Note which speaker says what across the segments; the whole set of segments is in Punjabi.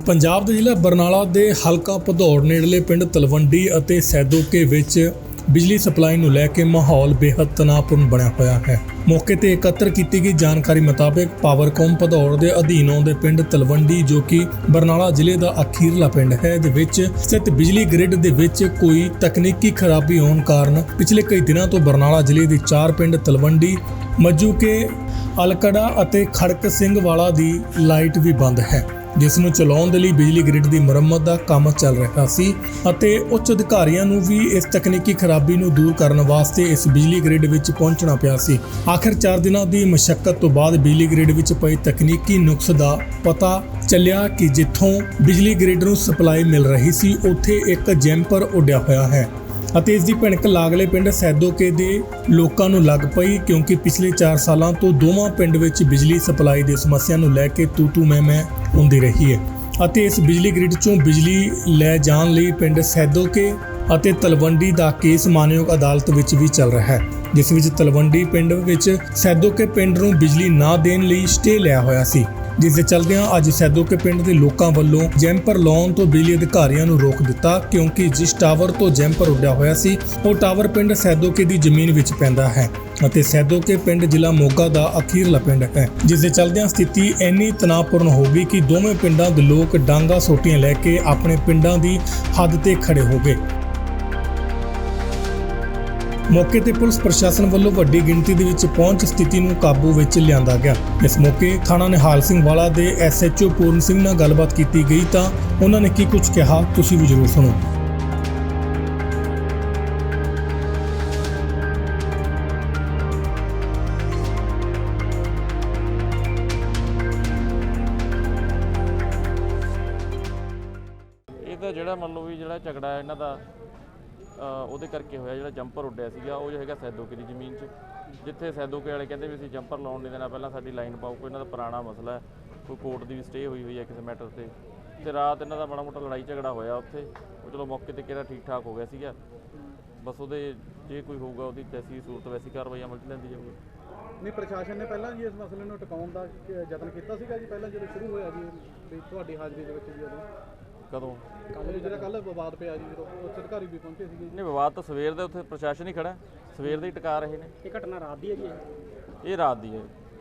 Speaker 1: ਪੰਜਾਬ ਦੇ ਜ਼ਿਲ੍ਹਾ ਬਰਨਾਲਾ ਦੇ ਹਲਕਾ ਭਦੌੜ ਨੇੜਲੇ ਪਿੰਡ ਤਲਵੰਡੀ ਅਤੇ ਸੈਦੋਕੇ ਵਿੱਚ ਬਿਜਲੀ ਸਪਲਾਈ ਨੂੰ ਲੈ ਕੇ ਮਾਹੌਲ ਬੇहद ਤਣਾਅਪੂਰਨ ਬਣਿਆ ਹੋਇਆ ਹੈ। ਮੌਕੇ ਤੇ ਇਕੱਤਰ ਕੀਤੀ ਗਈ ਜਾਣਕਾਰੀ ਮੁਤਾਬਕ ਪਾਵਰਕੌਮ ਭਦੌੜ ਦੇ ਅਧੀਨ ਆਉਂਦੇ ਪਿੰਡ ਤਲਵੰਡੀ ਜੋ ਕਿ ਬਰਨਾਲਾ ਜ਼ਿਲ੍ਹੇ ਦਾ ਅਖੀਰਲਾ ਪਿੰਡ ਹੈ ਦੇ ਵਿੱਚ ਸਥਿਤ ਬਿਜਲੀ ਗ੍ਰਿਡ ਦੇ ਵਿੱਚ ਕੋਈ ਤਕਨੀਕੀ ਖਰਾਬੀ ਹੋਣ ਕਾਰਨ ਪਿਛਲੇ ਕਈ ਦਿਨਾਂ ਤੋਂ ਬਰਨਾਲਾ ਜ਼ਿਲ੍ਹੇ ਦੇ 4 ਪਿੰਡ ਤਲਵੰਡੀ, ਮੱਜੂਕੇ, ਅਲਕੜਾ ਅਤੇ ਖੜਕ ਸਿੰਘ ਵਾਲਾ ਦੀ ਲਾਈਟ ਵੀ ਬੰਦ ਹੈ, ਜਿਸ ਨੂੰ ਚਲਾਉਣ ਦੇ ਲਈ ਬਿਜਲੀ ਗ੍ਰਿਡ ਦੀ ਮੁਰੰਮਤ ਦਾ ਕੰਮ ਚੱਲ ਰਿਹਾ ਸੀ ਅਤੇ ਉੱਚ ਅਧਿਕਾਰੀਆਂ ਨੂੰ ਵੀ ਇਸ ਤਕਨੀਕੀ ਖਰਾਬੀ ਨੂੰ ਦੂਰ ਕਰਨ ਵਾਸਤੇ ਇਸ ਬਿਜਲੀ ਗ੍ਰਿਡ ਵਿੱਚ ਪਹੁੰਚਣਾ ਪਿਆ ਸੀ। ਆਖਿਰ 4 ਦਿਨਾਂ ਦੀ ਮਸ਼ੱਕਤ ਤੋਂ ਬਾਅਦ ਬਿਜਲੀ ਗ੍ਰਿਡ ਵਿੱਚ ਪਈ ਤਕਨੀਕੀ ਨੁਕਸ ਦਾ ਪਤਾ ਚੱਲਿਆ ਕਿ ਜਿੱਥੋਂ ਬਿਜਲੀ ਗ੍ਰਿਡ ਨੂੰ ਸਪਲਾਈ ਮਿਲ ਰਹੀ ਸੀ ਉੱਥੇ ਇੱਕ ਜੈਂਪਰ ਉੱਡਿਆ ਹੋਇਆ ਹੈ ਅਤੇ ਇਸ ਦੀ ਭਿਣਕ ਲਾਗਲੇ ਪਿੰਡ ਸੈਦੋਕੇ ਦੇ ਲੋਕਾਂ ਨੂੰ ਲੱਗ ਪਈ, ਕਿਉਂਕਿ ਪਿਛਲੇ 4 ਸਾਲਾਂ ਤੋਂ ਦੋਵਾਂ ਪਿੰਡ ਵਿੱਚ ਬਿਜਲੀ ਸਪਲਾਈ ਦੀ ਸਮੱਸਿਆ ਨੂੰ ਲੈ ਕੇ ਤੂ ਮੈਂ ਹੁੰਦੀ ਰਹੀ ਹੈ ਅਤੇ ਇਸ ਬਿਜਲੀ ਗ੍ਰਿਡ ਚੋਂ ਬਿਜਲੀ ਲੈ ਜਾਣ ਲਈ ਪਿੰਡ ਸੈਦੋਕੇ ਅਤੇ ਤਲਵੰਡੀ ਦਾ ਕੇਸ ਮਾਨਯੋਗ ਅਦਾਲਤ ਵਿੱਚ ਵੀ ਚੱਲ ਰਿਹਾ ਹੈ, ਜਿਸ ਵਿੱਚ ਤਲਵੰਡੀ ਪਿੰਡ ਵਿੱਚ ਸੈਦੋਕੇ ਪਿੰਡ ਨੂੰ ਬਿਜਲੀ ਨਾ ਦੇਣ ਲਈ ਸਟੇ ਲਿਆ ਹੋਇਆ ਸੀ, ਜਿਸ ਦੇ ਚਲਦਿਆਂ ਅੱਜ ਸੈਦੋਕੇ ਪਿੰਡ ਦੇ ਲੋਕਾਂ ਵੱਲੋਂ ਜੈਂਪਰ ਲਾਉਣ ਤੋਂ ਬਿਜਲੀ ਅਧਿਕਾਰੀਆਂ ਨੂੰ ਰੋਕ ਦਿੱਤਾ, ਕਿਉਂਕਿ ਜਿਸ ਟਾਵਰ ਤੋਂ ਜੈਂਪਰ ਉੱਡਿਆ ਹੋਇਆ ਸੀ ਉਹ ਟਾਵਰ ਪਿੰਡ ਸੈਦੋਕੇ ਦੀ ਜ਼ਮੀਨ ਵਿੱਚ ਪੈਂਦਾ ਹੈ ਅਤੇ ਸੈਦੋਕੇ ਪਿੰਡ ਜ਼ਿਲ੍ਹਾ ਮੋਗਾ ਦਾ ਅਖੀਰਲਾ ਪਿੰਡ ਹੈ, ਜਿਸ ਦੇ ਚਲਦਿਆਂ ਸਥਿਤੀ ਇੰਨੀ ਤਣਾਅਪੂਰਨ ਹੋ ਗਈ ਕਿ ਦੋਵੇਂ ਪਿੰਡਾਂ ਦੇ ਲੋਕ ਡਾਂਗਾ ਸੋਟੀਆਂ ਲੈ ਕੇ ਆਪਣੇ ਪਿੰਡਾਂ ਦੀ ਹੱਦ ਤੇ ਖੜੇ ਹੋ ਗਏ। ਮੌਕੇ ਤੇ ਪੁਲਿਸ ਪ੍ਰਸ਼ਾਸਨ ਵੱਲੋਂ ਵੱਡੀ ਗਿਣਤੀ ਦੇ ਵਿੱਚ ਪਹੁੰਚ ਸਥਿਤੀ ਨੂੰ ਕਾਬੂ ਵਿੱਚ ਲਿਆਂਦਾ ਗਿਆ। ਇਸ ਮੌਕੇ ਥਾਣਾ ਨਿਹਾਲ ਸਿੰਘ ਵਾਲਾ ਦੇ SHO ਪੂਰਨ ਸਿੰਘ ਨਾਲ ਗੱਲਬਾਤ ਕੀਤੀ ਗਈ ਤਾਂ ਉਹਨਾਂ ਨੇ ਕੀ ਕੁਝ ਕਿਹਾ, ਤੁਸੀਂ ਵੀ ਜ਼ਰੂਰ ਸੁਣੋ।
Speaker 2: ਇਹ ਤਾਂ ਜਿਹੜਾ ਮੰਨ ਲਓ ਵੀ ਜਿਹੜਾ ਝਗੜਾ ਹੈ ਇਹਨਾਂ ਦਾ ਉਹਦੇ ਕਰਕੇ ਹੋਇਆ, ਜਿਹੜਾ ਜੰਪਰ ਉੱਡਿਆ ਸੀਗਾ ਉਹ ਜੋ ਹੈਗਾ ਸੈਦੋਕੇ ਦੀ ਜ਼ਮੀਨ 'ਚ, ਜਿੱਥੇ ਸੈਦੋਕੇ ਵਾਲੇ ਕਹਿੰਦੇ ਵੀ ਅਸੀਂ ਜੰਪਰ ਲਾਉਣ ਨਹੀਂ ਦੇਣਾ, ਪਹਿਲਾਂ ਸਾਡੀ ਲਾਈਨ ਪਾਓ। ਕੋਈ ਇਹਨਾਂ ਦਾ ਪੁਰਾਣਾ ਮਸਲਾ ਹੈ, ਕੋਈ ਕੋਰਟ ਦੀ ਵੀ ਸਟੇ ਹੋਈ ਹੈ ਕਿਸੇ ਮੈਟਰ ਤੇ ਰਾਤ ਇਹਨਾਂ ਦਾ ਮਾੜਾ ਮੋਟਾ ਲੜਾਈ ਝਗੜਾ ਹੋਇਆ ਉੱਥੇ। ਉਹ ਚਲੋ ਮੌਕੇ ਤੇ ਕਿਹੜਾ ਠੀਕ ਠਾਕ ਹੋ ਗਿਆ ਸੀਗਾ, ਬਸ ਉਹਦੇ ਜੇ ਕੋਈ ਹੋਊਗਾ ਉਹਦੀ ਜੈਸੀ ਸੂਰਤ ਵੈਸੀ ਕਾਰਵਾਈ ਅਮਲ 'ਚ ਲੈਂਦੀ ਜਾਊਗੀ।
Speaker 3: ਨਹੀਂ, ਪ੍ਰਸ਼ਾਸਨ ਨੇ ਪਹਿਲਾਂ ਜੀ ਇਸ ਮਸਲੇ ਨੂੰ ਟਿਕਾਉਣ ਦਾ ਯਤਨ ਕੀਤਾ ਸੀਗਾ ਜੀ, ਪਹਿਲਾਂ ਜਦੋਂ ਸ਼ੁਰੂ ਹੋਇਆ ਜੀ ਤੁਹਾਡੀ ਹਾਜ਼ਰੀ ਦੇ ਵਿੱਚ ਜੀ
Speaker 2: ਕਦੋਂ
Speaker 3: ਕੱਲ ਵਿਵਾਦ ਪਿਆ ਜੀ, ਜਦੋਂ ਉੱਚ ਅਧਿਕਾਰੀ ਵੀ ਪਹੁੰਚੇ ਸੀਗੇ।
Speaker 2: ਨਹੀਂ, ਵਿਵਾਦ ਤਾਂ ਸਵੇਰ ਦੇ ਉੱਥੇ ਪ੍ਰਸ਼ਾਸਨ ਹੀ ਖੜਾ, ਸਵੇਰ ਦੇ ਹੀ ਟਿਕਾ ਰਹੇ ਨੇ।
Speaker 3: ਇਹ ਘਟਨਾ ਰਾਤ ਦੀ ਹੈ ਜੀ? ਇਹ
Speaker 2: ਰਾਤ ਦੀ ਹੈ।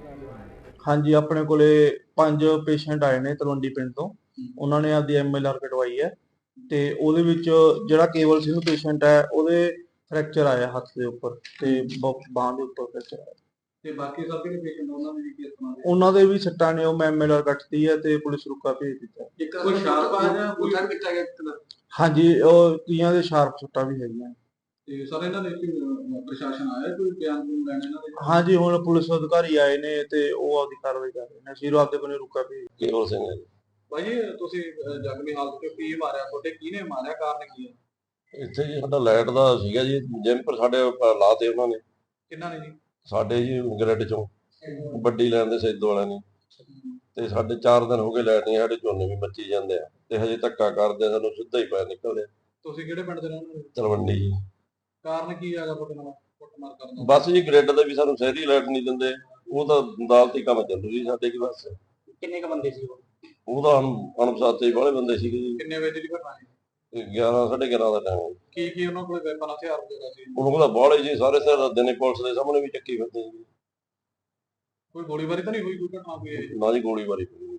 Speaker 4: ਹਾਂਜੀ, ਆਪਣੇ ਕੋਲੇ 5 ਪੇਸ਼ੈਂਟ ਆਏ ਨੇ ਤਲਵੰਡੀ ਪਿੰਡ ਤੋਂ। ਉਹਨਾਂ ਨੇ ਆਪਦੀ MLR ਕਟਵਾਈ ਹੈ ਤੇ ਉਹਦੇ ਵਿੱਚ ਜਿਹੜਾ ਕੇਵਲ ਸਿੰਘ ਪੇਸ਼ੈਂਟ ਹੈ ਉਹਦੇ ਫ੍ਰੈਕਚਰ ਆਇਆ ਹੱਥ ਦੇ ਉੱਪਰ ਤੇ ਬਾਹਾਂ ਦੇ ਉੱਪਰ ਫ੍ਰੈਕਚਰ ਆਇਆ
Speaker 3: ਤੇ ਬਾਕੀ ਸਭ ਜਿਹੜੇ ਪੇਸ਼ੈਂਟ
Speaker 4: ਉਹਨਾਂ ਦੇ ਵੀ ਸੱਟਾਂ ਨੇ, ਉਹ ਮੈਂ MLR ਕੱਟਤੀ ਹੈ ਤੇ ਪੁਲਿਸ ਰੁਕਾ ਭੇਜ ਦਿੱਤਾ।
Speaker 3: ਕੋਈ ਸ਼ਾਰਪ ਆ ਜਾਂ ਕੋਈ ਕਿੱਥਾ ਗਿਆ?
Speaker 4: ਹਾਂਜੀ, ਉਹ ਕਈਆਂ ਦੇ ਸ਼ਾਰਪ ਸੱਟਾਂ ਵੀ ਹੈਗੀਆਂ।
Speaker 3: ਤੇ ਸਰ ਇਹਨਾਂ ਦੇ ਪ੍ਰਸ਼ਾਸਨ ਆਇਆ ਕੋਈ ਬਿਆਨ ਲੈਣ ਇਹਨਾਂ ਦੇ?
Speaker 4: ਹਾਂਜੀ, ਹੁਣ ਪੁਲਿਸ ਅਧਿਕਾਰੀ ਆਏ ਨੇ ਤੇ ਉਹ ਆਪਦੀ ਕਾਰਵਾਈ ਕਰ ਰਹੇ ਨੇ। ਅਸੀਂ ਆਪਦੇ ਬੰਨੇ ਰੁਕਾ ਭੇਜ।
Speaker 2: ਕੇਵਲ ਸਿੰਘ
Speaker 3: ਭਾਈ ਤੁਸੀਂ ਜ਼ਖਮੀ ਹਾਲਤ ਵਿੱਚ ਕੀ ਮਾਰਿਆ, ਤੁਹਾਡੇ ਕਿਹਨੇ ਮਾਰਿਆ, ਕਾਰਨ ਕੀ ਹੈ?
Speaker 5: ਇੱਥੇ ਜੀ ਸਾਡਾ ਲਾਈਟ ਦਾ ਸੀਗਾ ਜੀ, ਜੈਂਪਰ ਸਾਡੇ ਲਾਤੇ ਉਹਨਾਂ ਨੇ।
Speaker 3: ਕਿੰਨਾ ਨੇ ਜੀ?
Speaker 5: ਸਾਡੇ ਜੀ ਗ੍ਰਿਡ ਚੋਂ ਵੱਡੀ ਲਾਈਨ ਦੇ ਸੈਦੋ ਵਾਲਿਆਂ ਨੇ, ਤੇ ਸਾਡੇ 4 ਦਿਨ ਹੋ ਗਏ ਲਾਈਟ ਨਹੀਂ, ਸਾਡੇ ਝੋਨੇ ਵੀ ਮੱਚੀ ਜਾਂਦੇ ਆ ਤੇ ਹਜੇ ਧੱਕਾ ਕਰਦੇ, ਸਾਨੂੰ ਸਿੱਧਾ ਹੀ ਪੈ ਨਿਕਲਦੇ।
Speaker 3: ਤੁਸੀਂ ਕਿਹੜੇ ਪਿੰਡ ਦੇ ਰਹਿਣ ਵਾਲੇ?
Speaker 5: ਤਲਵੰਡੀ ਜੀ।
Speaker 3: ਕਾਰਨ ਕੀ ਹੈਗਾ ਤੁਹਾਡੇ ਨਾਲ ਕੁੱਟਮਾਰ ਕਰਨ ਦਾ?
Speaker 5: ਬਸ ਜੀ ਗ੍ਰਿਡ ਦੇ ਵੀ ਸਾਨੂੰ ਸ਼ਹਿਰੀ ਲਾਈਟ ਨਹੀਂ ਦਿੰਦੇ, ਉਹ ਤਾਂ ਅਦਾਲਤੀ ਕੰਮ ਚੱਲੂ ਜੀ ਸਾਡੇ ਕੀ। ਬਸ
Speaker 3: ਕਿੰਨੇ ਕ ਬੰਦੇ ਸੀ
Speaker 5: ਉਹ ਤਾਂ ਅਣਪਛਾਤੇ ਵਾਲੇ ਬੰਦੇ ਸੀਗੇ ਜੀ।
Speaker 6: ਕਿੰਨੇ ਵਜੇ ਦੀ ਘਟਨਾ ਹੈ?
Speaker 5: 11 11:30 ਦਾ ਟਾਈਮ।
Speaker 6: ਕੀ ਉਹਨਾਂ ਕੋਲ ਵੈਪਨ ਹਥਿਆਰ ਵਗੈਰਾ ਸੀ?
Speaker 5: ਉਹਨਾਂ ਕੋਲ ਬਾਲੇ ਜੀ ਸਾਰੇ ਸਿਰ ਦਿਨੇ ਪੁਲਿਸ ਦੇ ਸਾਹਮਣੇ ਵੀ ਚੱਕੀ ਫਿਰਦੇ ਜੀ।
Speaker 6: ਕੋਈ ਗੋਲੀਬਾਰੀ ਤਾਂ ਨਹੀਂ ਹੋਈ, ਕੋਈ ਘਟਨਾ ਕੋਈ ਹੈ?
Speaker 5: ਨਾ ਜੀ ਗੋਲੀਬਾਰੀ ਹੋਈ।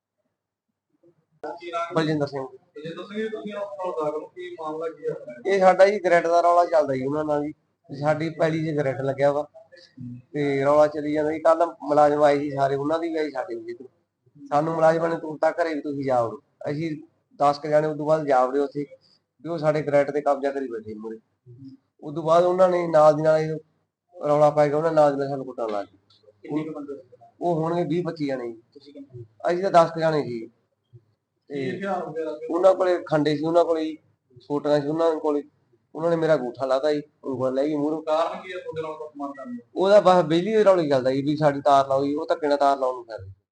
Speaker 7: ਬਲਜਿੰਦਰ ਸਿੰਘ।
Speaker 6: ਬਲਜਿੰਦਰ ਸਿੰਘ, ਤੁਸੀਂ ਆਪਣਾ ਦਾਖਲ ਕੀ ਮਾਮਲਾ ਕੀ ਹੈ?
Speaker 7: ਇਹ ਸਾਡਾ ਜੀ ਗ੍ਰਿਡ ਦਾ ਰੌਲਾ ਚੱਲਦਾ ਜੀ ਉਹਨਾਂ ਨਾਲ ਜੀ। ਸਾਡੀ ਪਹਿਲੀ 'ਚ ਗ੍ਰਿਡ ਲੱਗਿਆ ਵਾ ਤੇ ਰੌਲਾ ਚੱਲੀ ਜਾਂਦਾ ਜੀ। ਕੱਲ ਮੁਲਾਜ਼ਮ ਆਏ ਸੀ ਸਾਰੇ, ਉਹਨਾਂ ਦੀ ਵੀ ਆਈ ਸਾਡੇ ਵੀ। ਸਾਨੂੰ ਮੁਲਾਜ਼ਮਾਂ ਨੇ ਤੁਰਤਾ ਘਰੇ ਵੀ ਤੁਸੀਂ ਜਾਓ, ਅਸੀਂ 10 ਕੁ ਜਾਣੇ ਉਦੋਂ ਬਾਅਦ ਜਾਵੜੇ ਉੱਥੇ ਵੀ ਉਹ ਸਾਡੇ ਗ੍ਰਿਡ ਤੇ ਕਬਜ਼ਾ ਕਰੀ ਬੈਠੇ ਮੂਹਰੇ। ਉਦੋਂ ਬਾਅਦ ਉਹਨਾਂ ਨੇ ਨਾਲ ਦੀ ਨਾਲ ਰੌਲਾ ਪਾ ਕੇ ਉਹਨਾਂ ਨਾਲ ਦੀ ਨਾਲ ਸਾਨੂੰ ਕੁੱਟਣ ਲੱਗ ਗਏ। ਉਹ ਹੋਣਗੇ 20-25 ਜਾਣੇ ਜੀ, ਅਸੀਂ ਤਾਂ 10 ਕੁ ਜਾਣੇ ਸੀ। ਤੇ ਉਹਨਾਂ ਕੋਲੇ ਖੰਡੇ ਸੀ, ਉਹਨਾਂ ਕੋਲੇ ਸੋਟੀਆਂ ਸੀ, ਉਹਨਾਂ ਨੇ ਮੇਰਾ ਅੰਗੂਠਾ ਲਾਤਾ ਜੀ, ਉਂਗਲ ਲੈ ਗਈ ਮੂਹਰੋਂ।
Speaker 6: ਕਾਰਨ ਕੀ ਹੈ ਤੁਹਾਡੇ ਨਾਲ ਕੁੱਟਮਾਰ ਕਰਨ ਦਾ?
Speaker 7: ਉਹਦਾ ਬਸ ਬਿਜਲੀ ਦੇ ਰੌਲੇ ਚੱਲਦਾ ਜੀ ਵੀ ਸਾਡੀ ਤਾਰ ਲਾਓ ਜੀ, ਉਹ ਧੱਕੇ ਨਾਲ ਤਾਰ ਲਾਉਣ ਨੂੰ ਕਰ ਰਹੇ।